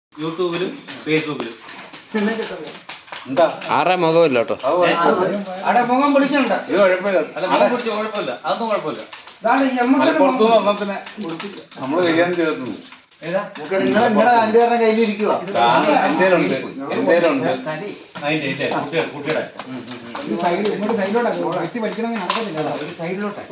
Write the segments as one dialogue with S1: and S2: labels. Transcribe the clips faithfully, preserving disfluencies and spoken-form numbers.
S1: യൂട്യൂബിലും ഫേസ്ബുക്കിലും.
S2: എന്താ
S3: ആരുടെ മുഖമില്ല കേട്ടോ.
S2: അവിടെ മുഖം വിളിക്കണ്ട.
S1: ഇത് കുഴപ്പമില്ല. അല്ല മുഖം പിടിച്ച കുഴപ്പമില്ല. അതൊന്നും കുഴപ്പമില്ല.
S2: നമ്മള് കൈകാര്യം ചെയ്തിട്ടുണ്ട്.
S4: നിങ്ങളെ നിങ്ങളെ രണ്ടുപേരുടെ കയ്യിലിരിക്കുക.
S2: എന്തേലുണ്ട് എന്തേലുണ്ട്
S1: അതിന്റെ ഇല്ലേ കുട്ടിയുടെ കുട്ടിയുടെ
S4: ഇങ്ങോട്ട് സൈഡിലോട്ടാ വ്യക്തി പഠിക്കണമെങ്കിൽ നടക്കത്തില്ല.
S1: ഒരു സൈഡിലോട്ടെ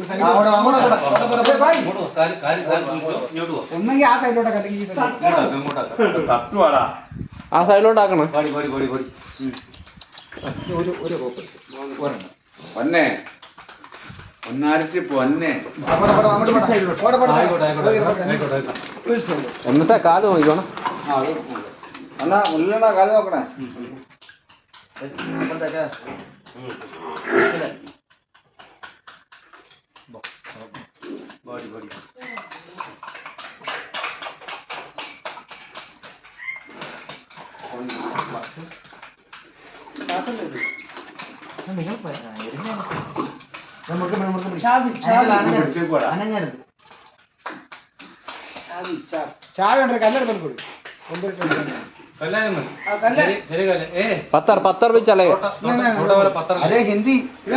S4: ഒന്നെങ്കിൽ ആ സൈഡിലോട്ടാ അല്ലെങ്കിൽ ഈ സൈഡിലോട്ട്
S2: തട്ടുവാടാ.
S3: ആ സൈഡിലോട്ടാക്കണം.
S1: പാടി പാടി പാടി പാടി
S4: ഒരു ഒരു റോപ്പ് ഒരെണ്ണം
S2: പൊന്നെ പൊന്നാരിച്ച് പൊന്നെ.
S3: എന്നത്തെ കാല് നോക്കിക്കോണം.
S2: എന്നാ മുല്ലണ കാല് നോക്കണേ.
S1: പാടി പാടി
S4: അനങ്ങരുത്. ചായ ഉണ്ട് കല്ലെടുത്തോണ്ട് കൊടുക്കും.
S3: പത്തർ പത്തർ വെച്ചല്ലേ
S4: അതെ ഹിന്ദി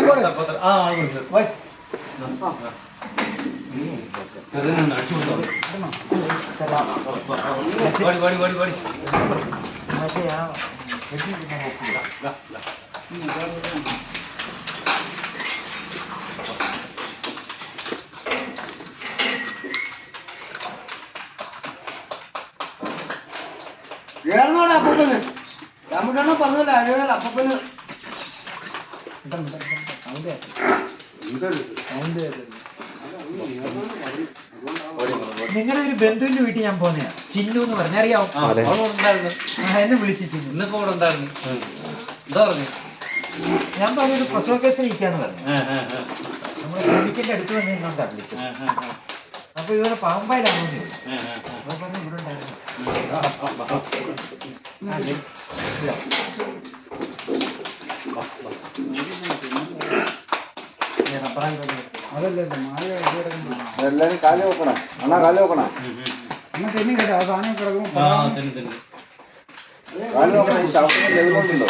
S4: ഏറന്നോടെ അപ്പൂപ്പന് രാമകണ്ണ പറഞ്ഞല്ലോ അഴകൽ അപ്പൂപ്പന്
S5: നിങ്ങളുടെ ഒരു ബന്ധുവിന്റെ വീട്ടിൽ ഞാൻ പോന്നെയാ. ചിന്നു എന്ന് പറഞ്ഞറിയാവോ? എന്നെ വിളിച്ചു ചിന്നു.
S1: ഇന്നിപ്പോ ഇവിടെ ഉണ്ടായിരുന്നു. എന്താ പറഞ്ഞു?
S5: ഞാൻ പറഞ്ഞൊരു പ്രസവ കേസിൽ ഇരിക്കാന്ന് പറഞ്ഞു. നമ്മുടെ ക്ലിനിക്കിന്റെ അടുത്ത് വന്നിരുന്നോണ്ടാ വിളിച്ചത്. അപ്പൊ ഇതുപോലെ പാമ്പായിലാണോ ചോദിച്ചു. അപ്പൊ പറഞ്ഞു ഇവിടെ ഉണ്ടായിരുന്നു.
S4: അതല്ലേ മായ
S2: എല്ലാരും കാല് നോക്കണേ. അണ്ണാ കാല് നോക്കണേ.
S4: എന്നാ തെന്നി കേട്ടോ ആ സാധനം കിടക്കും.
S2: കാല് നോക്കണേ. ഈ ചവിട്ടുന്ന ലെവലുണ്ടല്ലോ.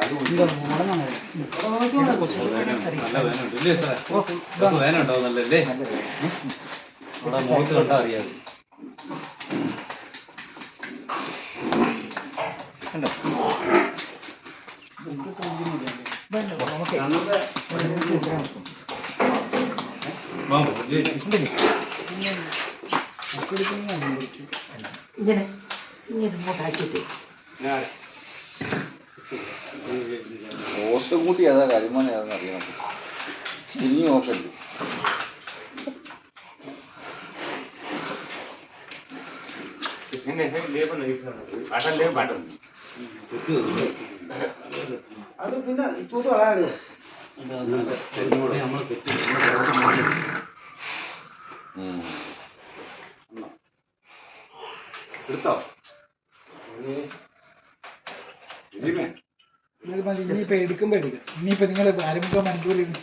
S1: നല്ല വേനുണ്ട് ഇല്ലേ സാറേ? വേന ഉണ്ടാവുന്നല്ലേ? ഇവിടെ മുഖത്ത് കണ്ടാ അറിയാതെ.
S5: ഇങ്ങനെ ഇങ്ങനെ ഇങ്ങോട്ടാക്കിയിട്ട്
S2: ഓട്ട് കൂട്ടി ഏതാ കരിമോൻ ഏതാന്ന് അറിയണം. ഇനി നോക്കല്ലേ.
S4: അത് പിന്നെ തൂത്ത് കളയാലോ.
S1: നമ്മള് തെറ്റി
S2: എടുത്തോ.
S4: ഇനിയിപ്പോ എടുക്കുമ്പോ എടുക്കാം. ഇനിയിപ്പോ നിങ്ങൾ അരമുക്കാൽ മണിക്കൂർ